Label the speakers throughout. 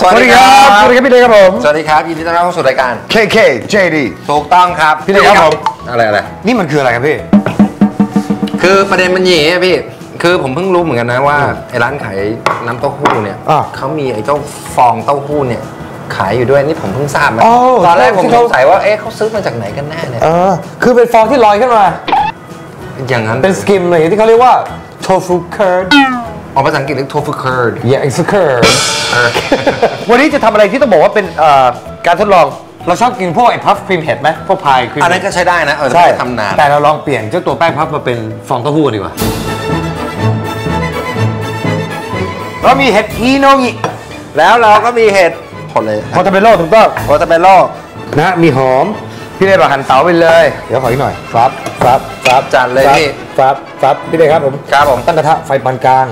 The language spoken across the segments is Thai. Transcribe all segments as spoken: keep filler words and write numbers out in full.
Speaker 1: สวัสดีครับสวัสดีครับพี่เล็กครับผม
Speaker 2: สวัสดีครับยินดีต้อนรับเข้าสู่รายการ
Speaker 1: เค เค เจ ดี
Speaker 2: ถูกต้องครับ
Speaker 1: พี่เล็กครับผม
Speaker 2: อะไรอะไร
Speaker 1: นี่มันคืออะไรครับพี่
Speaker 2: คือประเด็นมันอย่างนี้พี่คือผมเพิ่งรู้เหมือนกันนะว่าไอ้ร้านขายน้ำเต้าหู้เนี่ยเขามีไอ้เจ้าฟองเต้าหู้เนี่ยขายอยู่ด้วยนี่ผมเพิ่งทราบมาตอนแรกผมสงสัยว่าเอ๊ะเขาซื้อมาจากไหนกันแน่เนี่ย
Speaker 1: เออคือเป็นฟองที่ลอยขึ้นมา
Speaker 2: อย่างนั้น
Speaker 1: เป็นสกิมเลยที่เขาเรียกว่าโทฟูเคิร์ด
Speaker 2: ออกภาษาอังกฤษเรียกโทฟูเคิร์ด
Speaker 1: yeah it's a curd วันนี้จะทำอะไรที่ต้องบอกว่าเป็นการทดลองเราชอบกินพวกไอ้พัฟครีมเห็ดไหมพวกพายครีม
Speaker 2: อันนั้นก็ใช้ได้นะเออ
Speaker 1: ใช่
Speaker 2: ทำนาน
Speaker 1: แต่เราลองเปลี่ยนเจ้าตัวแป้งพัฟมาเป็นฟองเต้าหู้ดีกว่าเรามีเห็ดฮีโนงิ
Speaker 2: แล้วเราก็มีเห็ดผลเลย
Speaker 1: โพตาเบโร่ถูกต้อง
Speaker 2: โพตาเบโร่
Speaker 1: นะมีหอมพี่เล็กบอกหั่นเต๋าไปเลยเดี๋ยวขออีกหน่อยฟับฟับฟับ
Speaker 2: จัดเลยพี่
Speaker 1: ฟับฟับพี่เล็กครับผม
Speaker 2: ครับผม
Speaker 1: ตั้งกระทะไฟปานกลาง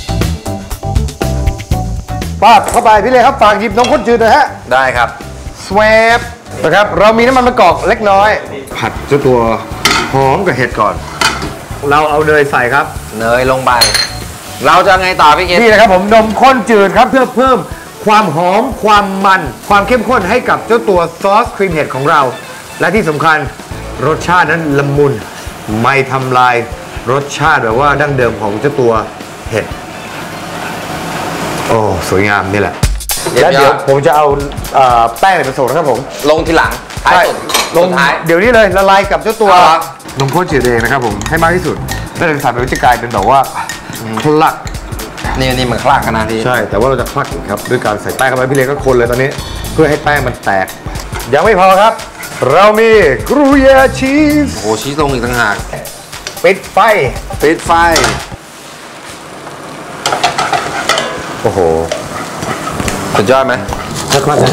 Speaker 1: ป้าเข้าไปพี่เล็กครับฝากหยิบนมข้นจืดหน่อยฮะ
Speaker 2: ได้ครับ
Speaker 1: สวบนะครับเรามีน้ำมันมะกอกเล็กน้อยผัดเจ้าตัวหอมกับเห็ดก่อนเราเอาเนยใส่ครับ
Speaker 2: เนยลงไปเราจะไงต่อพี่เกศ
Speaker 1: นี่นะครับผมนมข้นจืดครับเพื่อเพิ่มความหอมความมันความเข้มข้นให้กับเจ้าตัวซอสครีมเห็ดของเราและที่สำคัญรสชาตินั้นละมุนไม่ทำลายรสชาติแบบว่าดั้งเดิมของเจ้าตัวเห็ดโอ้สวยงามนี่แหละแล้วเดี๋ยวผมจะเอาแป้งผสมนะครับผม
Speaker 2: ลงทีหลังท้ายสุด
Speaker 1: ลงท้ายเดี๋ยวนี้เลยละลายกับเจ้าตัวนมข้นจืดเองนะครับผมให้มากที่สุดแล้วเราจะใส่ไปจะกลายเป็นแบบว่าคลัก
Speaker 2: นี่นี่มันคลักขนาดนี้
Speaker 1: ใช่แต่ว่าเราจะคลักอีกครับด้วยการใส่แป้งเข้าไปพี่เล็กก็คนเลยตอนนี้เพื่อให้แป้งมันแตกยังไม่พอครับเรามีกรูเยาชีส
Speaker 2: โอ้ชีสลงอีกต่างหาก
Speaker 1: ปิดไฟ
Speaker 2: ปิดไฟ
Speaker 1: โอ้โห
Speaker 2: สุดยอดไหม
Speaker 1: มากๆนะ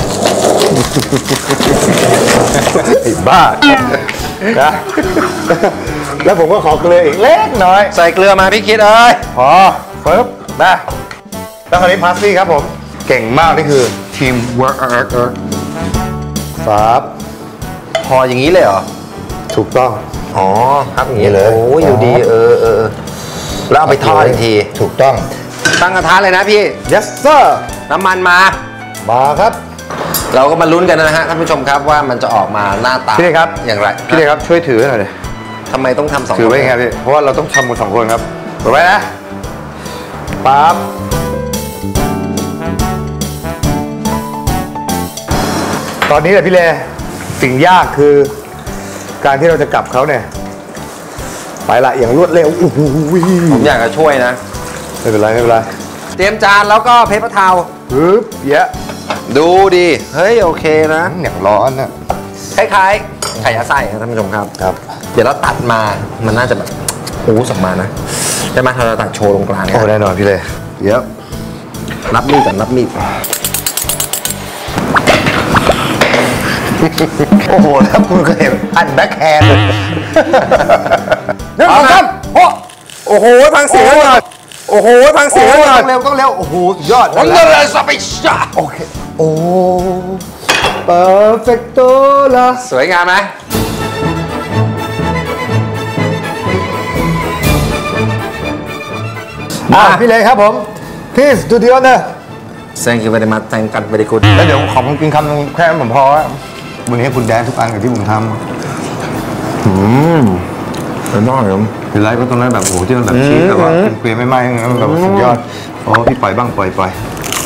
Speaker 1: ไอ้บ้านะแล้วผมก็ขอเกลืออีกเล็กน้อย
Speaker 2: ใส่เกลือมาพี่คิดเอ้ย
Speaker 1: พอปึ๊บนะแล้วคราวนี้พาสซี่ครับผมเก่งมากนี่คือทีมเวิร์กเอิร์กเอิร์กครับ
Speaker 2: พออย่างนี้เลยเหรอ
Speaker 1: ถูกต้อง
Speaker 2: อ๋อครับอย่างนี้เลยโอ้ยอยู่ดีเออเออแล้วเอาไปทอดอีกที
Speaker 1: ถูกต้อง
Speaker 2: ตั้งกระทะเลยนะพี่
Speaker 1: yes sir
Speaker 2: น้ำมันมา
Speaker 1: มาครับ
Speaker 2: เราก็มาลุ้นกันนะฮะท่านผู้ชมครับว่ามันจะออกมาหน้าตา
Speaker 1: พี่เล็กครับ
Speaker 2: อย่างไร
Speaker 1: พี่เล็กครับช่วยถือหน่อยเลย
Speaker 2: ทำไมต้องทำสอง
Speaker 1: ถือไว้ครับพี่เพราะว่าเราต้องทำกันสองคนครับถือไว้นะปั๊บตอนนี้แหละพี่เล่สิ่งยากคือการที่เราจะกลับเขาเนี่ยไปละอย่างรวดเร็ว
Speaker 2: ผมอยากจะช่วยนะ
Speaker 1: ไม่เป็นไรไม่เป็นไร
Speaker 2: เตรียมจานแล้วก็เพปเปอร์ทาวน์
Speaker 1: ปึ๊บเยอะ
Speaker 2: ดูดิเฮ้ยโอเคนะ
Speaker 1: อย่างร้อนนะ
Speaker 2: คล้ายๆไข่ยัดไส้ครับท่านผู้ชมครับ
Speaker 1: ครับ
Speaker 2: เดี๋ยวเราตัดมามันน่าจะแบบโอ้สมมานะได้ไหมเราตัดโชว์ตรงกลาง
Speaker 1: โอ้แน่นอนพี่เลยเยอะ
Speaker 2: รับมีดก่อนรับมีด
Speaker 1: โอ้โหแล้วคุณเคยเห็นอันแบ็คแฮนด์นี่ครับโอ้
Speaker 2: โอ้โหฟังเสียงหน่อยโอ้โหฟังเสียงหน่อย
Speaker 1: ต้องเร็วต้องเร็วโอ้โหยอด
Speaker 2: วันนี้เลยสเปช
Speaker 1: โอเคโอ้เปอร์เฟกโตล่ะ
Speaker 2: สวยงามไหม
Speaker 1: อ่ะพี่เลยครับผม please do the honor
Speaker 2: thank you very much thank you very good
Speaker 1: แล้วเดี๋ยวขอผมกินคำแค่นั้นผมพอวันนี้คุณแดนทุกอันกับที่ผมทำอืม
Speaker 2: เป็นน้อยครับ
Speaker 1: เป็นไรก็ตรงนั้นแบบโอ้ที่มันแบบชีสแบบว่าเกลียไม่ไหม้แบบสุดยอดโอ้พี่ปล่อยบ้างปล่อยปล่อย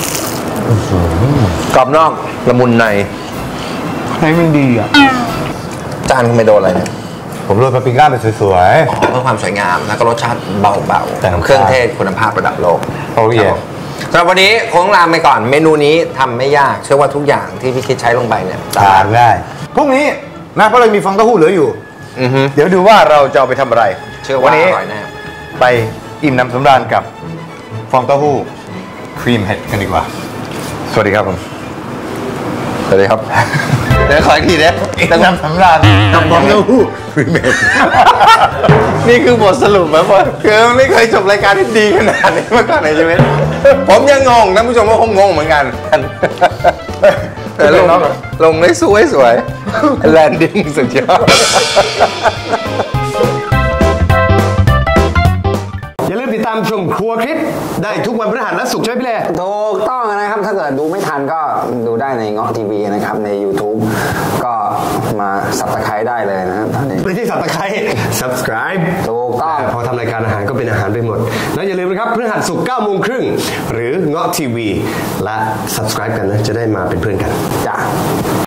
Speaker 2: กรอบนอกละมุนใน
Speaker 1: ให้มันดีอ่ะ
Speaker 2: จานคุณไม่โดนอะไรเนี่ย
Speaker 1: ผมโรยปาปริก้าเป็นสวย
Speaker 2: ๆเพื่อความสวยงามแล้วก็รสชาติเบาๆแต่เครื่องเทศคุณภาพระดับโลก
Speaker 1: โอ้ย
Speaker 2: สำหรับวันนี้คงลาไปก่อนเมนูนี้ทำไม่ยากเชื่อว่าทุกอย่างที่พี่คิดใช้ลงไปเนี่ย
Speaker 1: ทานง่ายพรุ่งนี้นะเพราะเรามีฟองเต้าหู้เหลืออยู่เดี๋ยวดูว่าเราจะเอาไปทำอะไร
Speaker 2: เชื่อว่าอร่อยแน่
Speaker 1: ไปอิ่มน้ำสำราญกับฟองเต้าหู้ครีมเห็ดกันดีกว่าสวัสดีครับผม
Speaker 2: สวัสดีครับเดี๋ยวขออีกทีนะ
Speaker 1: อิ่มน้ำสำราญกับฟองเต้าหู้ครีมเห็ด
Speaker 2: นี่คือบทสรุปไหมพ่อคือไม่เคยจบรายการที่ดีขนาดนี้มาก่อนในชีวิตผมยังงงท่านผู้ชมก็คงงงเหมือนกันแต่ลงลงได้สวยสวยแลนดิ้งสุดยอด
Speaker 1: อย่าลืมติดตามชมครัวคลิปได้ทุกวันพฤหัสและศุกร์ใช่ไหมพี่เล่
Speaker 3: ถูกต้องนะครับถ้าเกิดดูไม่ทันก็ดูได้ในเงาะทีวีนะครับใน YouTube ก็มาสับตะไคร้ได้เลยนะครับตอนนี้
Speaker 1: ไม่ใช่สับตะไคร้ subscribe
Speaker 3: ถูกต้อง
Speaker 1: พอทำรายการอาหารก็เป็นอาหารไปหมดแล้วอย่าลืมนะครับพฤหัสศุกร์เก้าโมงครึ่งหรือเงาะทีวีและ subscribe กันนะจะได้มาเป็นเพื่อนกัน
Speaker 3: จ้ะ